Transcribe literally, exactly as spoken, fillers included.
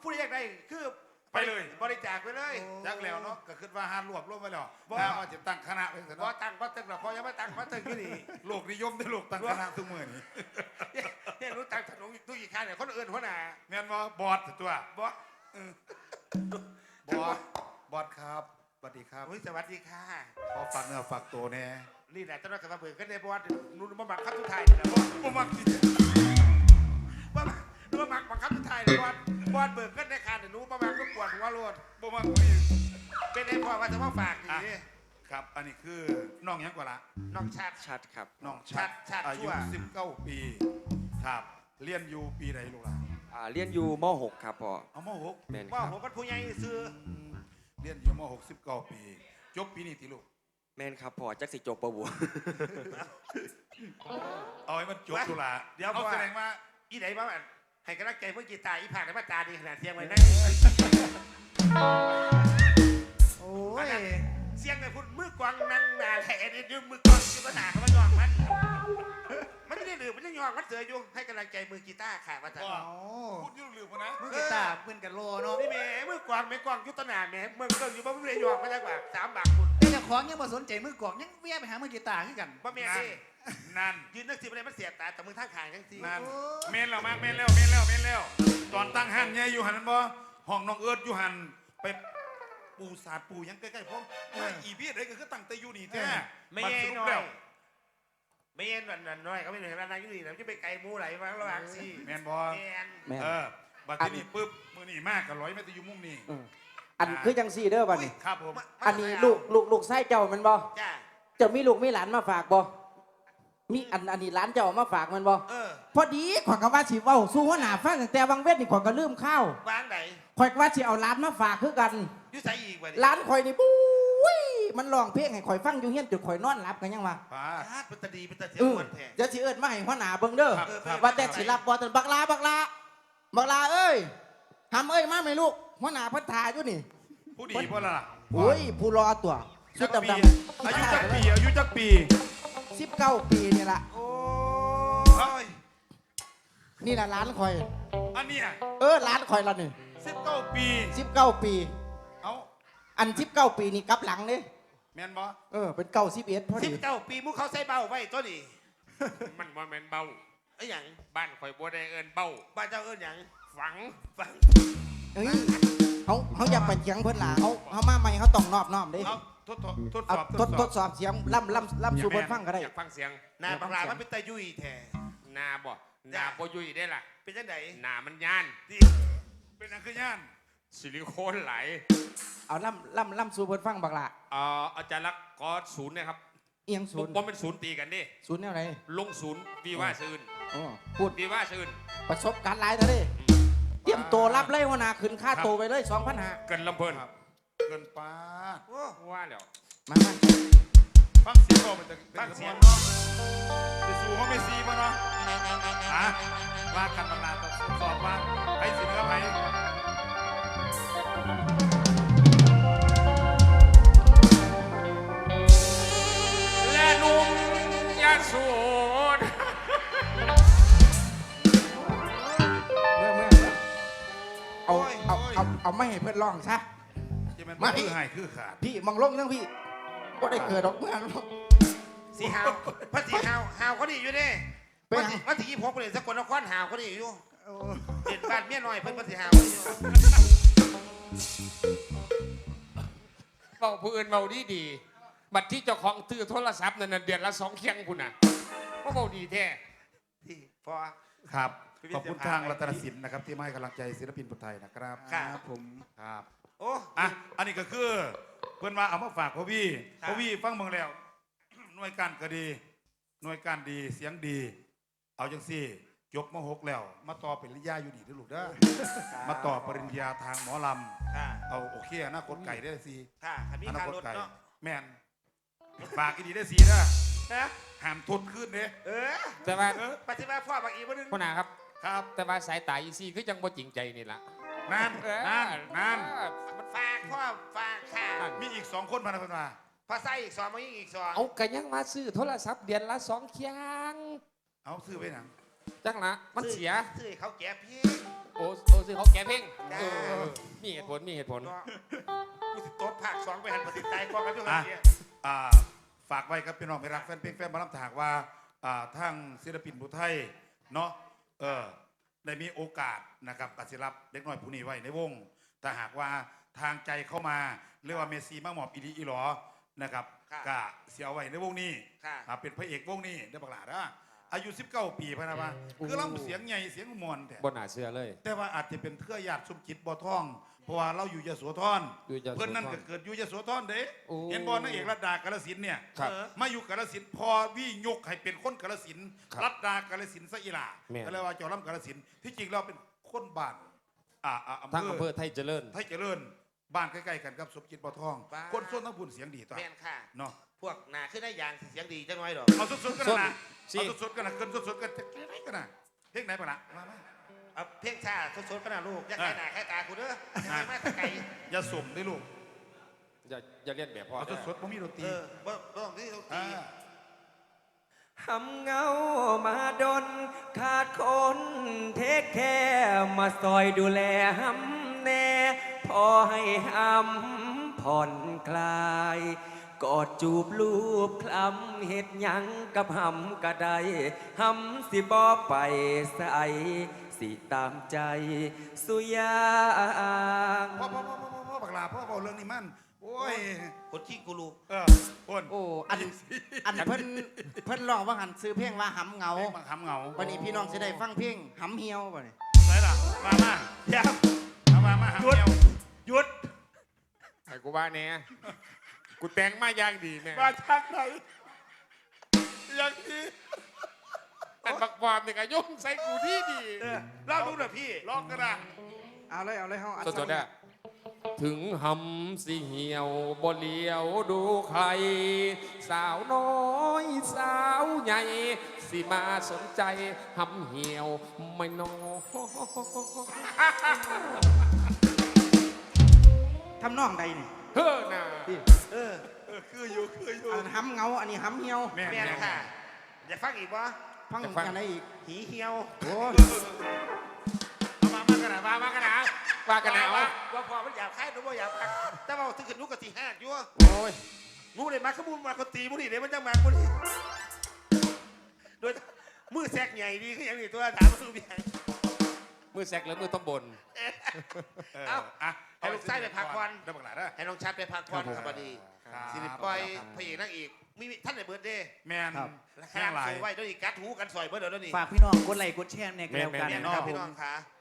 ผู้ใดอยากได้คือไปเลยบริจาคไปเลยจักแล้วเนาะก็คิดว่าหารวบรวมไปแล้วว่าว่าจะตั้งคณะเป็นพอตั้งพอตั้งเราพอยังไม่ตั้งพอตั้งที่นี่โลกนิยมได้โลกตั้งคณะทุกมื้อนี่เนี่ยรู้ตั้งถนนตู้อีกข้างเนี่ยคนอื่นหัวหน้าแม่นว่าบอสตัวบอสบอสบอสครับสวัสดีครับสวัสดีค่ะขอฝากเนื้อฝากตัวแน่นี่แหละเจ้าหน้าที่มาเบิกกันในบอสนุ่นมาบังคับทุกไทยนี่แหละบอสบ่มักสิว่านุ่นมาบังคับทุกไทยเลยบอสบอสเบิกกันในคานเนี่ยนุ่นมาบังก็ปวดหัวโลดบ่มักสิเป็นไอ้พ่อว่าจะมาฝากนี่ครับอันนี้คือน้องหยังกว่าละน้องชาติชัดครับน้องชัดชัดอายุชั่วสิบเก้าปีครับเรียนอยู่ปีไหนลูกหล่ะอ่าเรียนอยู่ม .หก ครับพ่อเอามหกแม่นคว่ารับผมเป็นผู้ใหญ่ซื้อเรียนอยู่มหกสิบเก้าปีจบปีนี้ติลูกแม่นครับพ่อจักสิจบปะบัวเอาให้มันจบลูกหล่ะเดี๋ยวเอาพ่อแสดงว่าอีไหนบ้างให้กำลังใจเมื่อกี้ตายอีผากในมาตาดีขนาดเสียงไว้นั่นโอ้ยเสียงเลยคุณมือกวางนั่งนาแหล่นี่ยืมมือกวางยืมปัญหาเขามาหยอกมันมันไม่ได้หรือมันยังหยอกมันเสืออยู่ให้กำลังใจมือกีตาร์ค่ะว่าจะว่าโอ้พูดยุ่งลืมนะมือกีตาร์เพื่อนกันโลเนาะนี่แม่มือกวางไม่กวางยุตนาแม่เมืองเกิงอยู่บ้านไม่ได้หยอกมาแล้วกว่าสามบาทคุณแต่เจ้าของยังมาสนใจมือกลองยังเวียไปหามือกีตาร์คือกันบ้าแม่นั่นนี่นั่นยืนนักสิบอะไรมันเสียตาแต่มึงท่าขางทั้งทีนั่นเมนแล้วมากเมนแล้วเมนแล้วเมนแล้วตอนตั้งห้างเนี่ยอยู่หันบ่ห้องน้องเอิร์ดอยู่หันไปปูสาดปูยังใกล้ๆผมว่าอีพีอะไรก็คือตั้งแต่อยู่นี่แท้ไม่บัดเย็สนรุหปน่อแล้ยว ไม่เย็นหน่อยหน่อยเขาไม่เห็นอะไรอยู่นี่นะจะไปไกลมูไหลมาระหว่างสี่แมนบอแมนแม่นเออบัดที่นี่ปุ๊บมือนี่มากกับร้อยแม่ตะอยู่มุมนี่อืมอันคือจังซี่เด้อบัดนี้ครับผมอันนี้ลูกลูกลูกไส้เจ้ามันบ่จ้าเจ้ามีลูกมีหลานมาฝากบ่มีอันอันนี้หลานเจ้ามาฝากมันบ่เออพอดีข่อยก็ว่าสิเว้าสู่หัวหน้าฟังตั้งแต่วังเวทนี่ข่อยก็ลืมข้าววางไหนข่อยก็ว่าสิเอาหลานมาฝากคือกันยุ่ใส่อีกวะหลานข่อยนี่ปุ้ยมันร้องเพลงให้ข่อยฟังอยู่เฮียนจนข่อยนอนหลับกันยังว่าป้านี่เป็นตาดีเป็นตาเสียเออวันแท้เดี๋ยวสิเอิ้นมาให้หัวหน้าเบิ่งเด้อครับครับว่าแต่สิรับบ่ตันบักลาบักลาบักลาเอ้ยหำเอ้ยมาไหมลูกหัวหน้าเพิ่นถ่ายอยู่นี่ผู้ดีพ่อละล่ะโอ้ยผู้รอตัวชุจัดกปีดำๆอายุจักปีอายุจักปีสิบเก้าปีนี่ล่ะโอ้ยนี่ล่ะร้านข่อยอันเนี้ยเออร้านข่อยละนี่สิบเก้าปีสิบเก้าปีเอาอันสิบเก้าปีนี่กลับหลังเด้แมนบอเออเป็นเก้าสิบเอ็ดพอสิบดีเก้าปีมุกเขาใส่เบาไว้ตัวนี้มันว่าแม่นเบ้าไอ้หยังบ้านข่อยบัวได้เอินเบ้าบ้านเจ้าเอิ้นหยังฝังฟังเอ้ยเขาเขาอยากไปเถียงเพิ่นล่ะเขาเขามาใหม่เขาต้องนอบน้อมเด้เอาทดทดทดสเอาอบทดทดสอบเสียงล่ำล่ำล่ำสู่เพิ่นฟังก็ได้อยากฟังเสียงหนาบังลามันเป็นตายุ่ยแท้นาบ่นาบ่ยุ่ยได้ล่ะเป็นจังไดนามันย่านที่เป็นอันคือย่านซิลิโคนไหลเอาล่ำล่ำล่ำสู่เพิ่นฟังบักละเอ่ออาจารย์ลักษณ์ขอศูนย์นะครับเอียงศูนย์ผมเป็นศูนย์ตีกันดิศูนย์แนวไหนลงศูนย์วีว่าซื่นอ๋อพูดวีว่าซื่นประสบการณ์หลายเท่าเด้เตรียมตัวรับเลยหัวหน้าขึ้นค่าตัวไปเลยสองพันห้าเกินลำเพลินครับเกินป้าดโอ้ว่าแล้วมามาฟังเสียงก็เป็นแต่เป็นเสียงเนาะจะสู้เขาไม่ซีป่ะเนาะฮะว่ากันบางนาทดสอบว่าไอ้สิเหนือไผและหนุ่มยาสูนเมื่อเมื่อเอาเอาเอาเอาไม่ให้เพื่อนร้องซะจะเป็นมาคือหายคือขาดพี่มองลงยังพี่ก็ได้เกิดดอกเมื่อหรอกสีหาวพระสีหาวหาวเขาดีอยู่เด้เป็นวันไงที่วันที่ยี่สิบหกเลยสกลนครหาวเขาดีอยู่เห็นบ้านเมียน้อยเพิ่นพระสีหาวอยู่เบ้าผู้อื่นเบ้าดีดีบัตรที่เจ้าของตื้อโทรศัพท์นั่นนะเดือนละสองเคียงคุณน่ะก็เบ้าดีแท้ที่พอครับขอบคุณทางรัตนสินนะครับที่มาให้กำลังใจศิลปินคนไทยนะครับครับผมครับโอ้อ่ะอันนี้ก็คือเพื่อนว่าเอามาฝากพ่อพี่ครับพ่อพี่ฟังเมืองแล้ว หน่วยการก็ดี หน่วยการดีเสียงดี เอาจังสี่จบมหกแล้ว มาต่อเป็นปริญญาอยู่นี่ด้วยลูกเด้อมาต่อปริญญาทางหมอลค่ะำเอาโอเคอนาคตไก่ได้สิค่ะขันมีอนาทางคตรถไก่เนาะแม่นฝากอีดีได้สีนะฮะห้ามทดขึ้นเด้เออแต่ว่าปฏิบัติพ่อบางอีกวันนึงคุณนาครับครับแต่ว่าสายตาอีซี่คือจังบ่จริงใจนี่ล่ะนั่นนั่นนั่นเออมันฝากพ่อฝากค่ะมีอีกสองคนพานะเพื่อนมาพอใส่อีกสองมาอีกสองเอากันยังมาซื้อโทรศัพท์เดือนละสองเคียงเอาซื้อไปหนังจังละมันเสียซื้อให้เขาแก่พี่โอ้โอ้ซื้อเขาแก้เพ่งจ้าเออมีเหตุผลมีเหตุผลเนาะกูสิตบภาคสองไปหันปฏิใจกองกันด้วยกัอ่ะนเนี่ยอ่าฝากไว้ครับพี่น้องไปรักแฟนเพลงแฟนหมาลำถากว่าอ่าทางศิลปินผู้ไทยเนาะเออได้มีโอกาสนะครับกสิรับเด็กน้อยผู้นี้ไว้ในวงแต่หากว่าทางใจเข้ามาเรียกว่าเมสซี่มาหมอบอีดีอีหลอนะครับกะเสียไว้ในวงนี้ค่ะอ่าเป็นพระเอกวงนี้ได้บักหลานะอายุสิบเก้าปีพะนะว่าคือเราเสียงใหญ่เสียงมวลแต่บนหนาเสื้อเลยแต่ว่าอาจจะเป็นเครือญาติสมจิตบ่อทอง เพราะว่าเราอยู่ยโสธรอยู่ยโสธรเพื่อนนั่นก็เกิดอยู่ยโสธรเด้โอ้เห็นบอลนางเอกรัตดากาลสินธุ์เนี่ยครับเออมาอยู่กาลสินธุ์พอวิยกให้เป็นคนกาลสินธุ์ครับรัตดากาลสินธุ์ซะอีหลาแม่นก็เลยว่าเจ้าล่ำกาลสินธุ์ที่จริงเราเป็นคนบ้านอ่าอ่าอำทั้งอำเภเภออไทยเจริญไทยเจริญบ้านใกล้ๆกันกับสมจิตบ่อทองบ้านคนส่วนทั้งบุญเสียงดีต่อแม่นค่ะเนาะพวกหนาขึ้นได้ยางเสียงดีจังน้อยดอกเอาสุดๆกันส้นนะสิเอาสุดๆกันนะเกินสุดๆกันจะไหนกันนะเพลงไหนปะนะมามาเอาเพียงชาสดๆก็น่าลูกอยังไงหนาแค่ตากูเด้อยังไงแม่ตะไก่อย่าสุ่มได้ลูกอย่าอย่าเลียนแบบพ่อเอาเด้อสดๆผมมีดนตรีเออบ่บ่ต้องที่ต้องตีอ่าหำเงามาดน ขาดคนเทคแค่มาซอยดูแลหำแน่ พอให้หำผ่อนคลาย กอดจูบลูบคลำเห็ดหยังกับหำกระไดหำสิบอไปใส่สิตามใจ สุยางพ่อพ่อพ่อพ่อพ่อบักลาพ่อบอกเรื่องนี้มันโอ้ยคนที่กูรู้เออคนโอ้อันอันเพิ่นเพิ่นร้องว่าหันซื้อเพลงว่าหำเหงาเพลงบางคำเหงาวันนี้พี่น้องจะได้ฟังเพลงหำเหี่ยวบ่นี่ไหนล่ะมามาเดี๋ยวเอามามาหาหยุดเดียวหยุดไอ้กูว่าแน่กูแต่งมาอย่างดีแม่มาจากไหนอย่างนี้อันบักบอมเนี่ยก็ยุ่งใส่กูดีดีเออเล่าดูหน่อยพี่ลองกันนะเอาเลยเอาเลยเฮาอัดสดๆอะถึงหำสิเหี่ยวบ่เลียวดูใคร สาวน้อยสาวใหญ่ สิมาสนใจหำเหี่ยวไม่น้อยทำนองใดนี่เฮ้อน่ะเออเออคืออยู่คืออยู่อันหำเหงาอันนี้หำเหี่ยวแม่แม่นค่ะ อยากฟังอีกวะฟังอันไหนอีกหีเหี่ยวโอ้เอามามากันนะมามากันนะว่ากันแล้วว่าว่าพอมันอยากให้หรือว่าอยากพักแต่ว่าถึงขึ้นนุกกะตีห้าอยู่วะโอ้ยมูเลยมาขมูลมาคนตีมูนี่เดี๋ยวมันจะมาคนนี้โดยมือแซกใหญ่ดีคืออย่างนี้ตัวถามมาสู้เบียงมือแซกหรือมือต้มบนเออเอ้าอ่ะให้ลูกไส้ไปพักก่อนได้บักหลาได้ให้น้องชัดไปพักผ่อนครับพอดีครับสิริปล่อยพระเอกนางเอกมีท่านในเบิร์ดเดย์แมนครับแห้งหลายสูไว้ด้วยนี่กัดหูกันซอยเบิร์ดเดี๋ยวนี้ฝากพี่น้องกดไลค์กดแชร์ในกันแล้วกันเนี่ยเนาะนะครับพี่น้องคะ